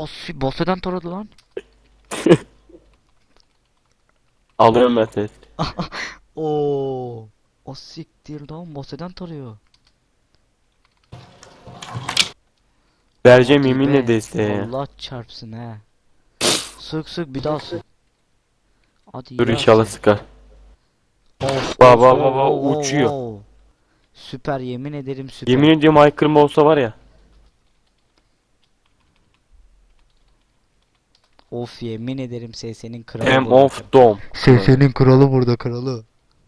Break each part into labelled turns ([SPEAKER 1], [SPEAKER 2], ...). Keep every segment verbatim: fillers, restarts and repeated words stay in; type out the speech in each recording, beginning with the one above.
[SPEAKER 1] Asi boss'eden taradı lan.
[SPEAKER 2] Alıyorum ben test.
[SPEAKER 1] Oo. O siktir lan boss'eden tarıyor.
[SPEAKER 2] Vereceğim
[SPEAKER 1] Hadi
[SPEAKER 2] yeminle
[SPEAKER 1] be.
[SPEAKER 2] desteğe ya.
[SPEAKER 1] Allah çarpsın he. Sık sık bir daha sık. Hadi
[SPEAKER 2] Dur
[SPEAKER 1] iyi
[SPEAKER 2] inşallah
[SPEAKER 1] Asi.
[SPEAKER 2] sıkar.
[SPEAKER 1] Of
[SPEAKER 2] Baba
[SPEAKER 1] of
[SPEAKER 2] baba
[SPEAKER 1] of
[SPEAKER 2] baba
[SPEAKER 1] of of
[SPEAKER 2] uçuyor.
[SPEAKER 1] of. Süper yemin ederim süper.
[SPEAKER 2] Yemin ediyorum ay kırma olsa var ya.
[SPEAKER 1] Of yemin ederim S S'nin kralı
[SPEAKER 2] Em
[SPEAKER 1] burada.
[SPEAKER 2] of dom.
[SPEAKER 1] S S'nin kralı burada kralı.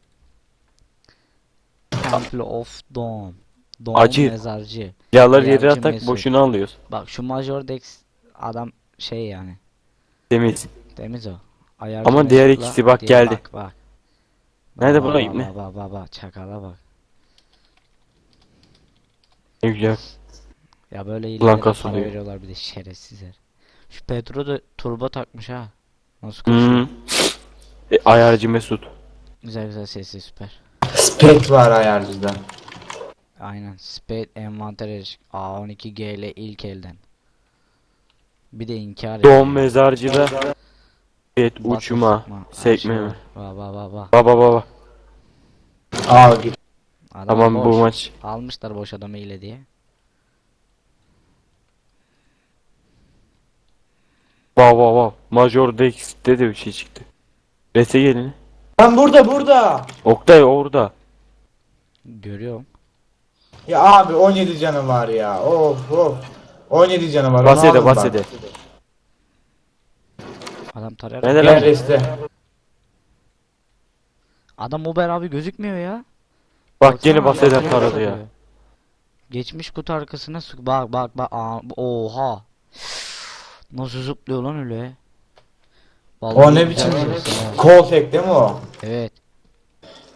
[SPEAKER 1] Temple of Dawn. Dawn
[SPEAKER 2] Acı.
[SPEAKER 1] mezarcı.
[SPEAKER 2] Silahları yere
[SPEAKER 1] Ayarcı
[SPEAKER 2] atak
[SPEAKER 1] Mesut.
[SPEAKER 2] boşuna alıyoruz.
[SPEAKER 1] Bak şu Major Dex adam şey yani.
[SPEAKER 2] Temiz.
[SPEAKER 1] Temiz o. Ayarcı
[SPEAKER 2] Ama diğer
[SPEAKER 1] Mesut'la
[SPEAKER 2] ikisi bak
[SPEAKER 1] diğer-
[SPEAKER 2] geldi.
[SPEAKER 1] Bak bak.
[SPEAKER 2] Nerede
[SPEAKER 1] Bak,
[SPEAKER 2] bu
[SPEAKER 1] bak,
[SPEAKER 2] ibne?
[SPEAKER 1] bak, bak bak bak çakala bak.
[SPEAKER 2] Ne güzel.
[SPEAKER 1] Ya böyle
[SPEAKER 2] Ulan
[SPEAKER 1] ileride para
[SPEAKER 2] kasılıyor.
[SPEAKER 1] veriyorlar bir de şerefsizler. Şu Petro da turbo takmış ha. Nasıl
[SPEAKER 2] Hmm.
[SPEAKER 1] koşuyor?
[SPEAKER 2] E, ayarcı Mesut.
[SPEAKER 1] Güzel güzel sesi süper.
[SPEAKER 3] Spek var ayarcıda.
[SPEAKER 1] Aynen. Spade envanter erişik. A on iki G ile ilk elden. Bir de inkar ediyor.
[SPEAKER 2] Doğum mezarcıda. Evet
[SPEAKER 1] Batı
[SPEAKER 2] uçma.
[SPEAKER 1] sıkma, her
[SPEAKER 2] Sekme
[SPEAKER 1] şey
[SPEAKER 2] mi?
[SPEAKER 1] var. Ba ba ba ba.
[SPEAKER 2] Baba baba.
[SPEAKER 3] Aa git.
[SPEAKER 1] Adam
[SPEAKER 2] Tamam
[SPEAKER 1] boş.
[SPEAKER 2] bu maç.
[SPEAKER 1] Almışlar boş adamı ile diye.
[SPEAKER 2] Wow wow wow. Major Dex'te de bir şey çıktı. Rese gelin.
[SPEAKER 3] Lan burada burada.
[SPEAKER 2] Oktay orada.
[SPEAKER 1] Görüyorum.
[SPEAKER 3] Ya abi on yedi canı var ya. Of of. on yedi canı var. onu
[SPEAKER 2] Basede
[SPEAKER 3] alın bak.
[SPEAKER 2] basede.
[SPEAKER 1] Adam tarar.
[SPEAKER 2] Nerede
[SPEAKER 3] Gel
[SPEAKER 2] lan?
[SPEAKER 3] reste.
[SPEAKER 1] Adam Uber abi gözükmüyor ya.
[SPEAKER 2] Bak
[SPEAKER 1] Baksana,
[SPEAKER 2] gene baseden
[SPEAKER 1] arkaya
[SPEAKER 2] taradı
[SPEAKER 1] sarıyor.
[SPEAKER 2] ya.
[SPEAKER 1] Geçmiş kutu arkasına sık. Bak bak bak. Aa, oha. Nasıl zıplıyor lan öyle? Vallahi
[SPEAKER 3] O ne
[SPEAKER 1] güzel
[SPEAKER 3] biçim
[SPEAKER 1] ses ha.
[SPEAKER 3] kol tek değil mi o?
[SPEAKER 1] Evet.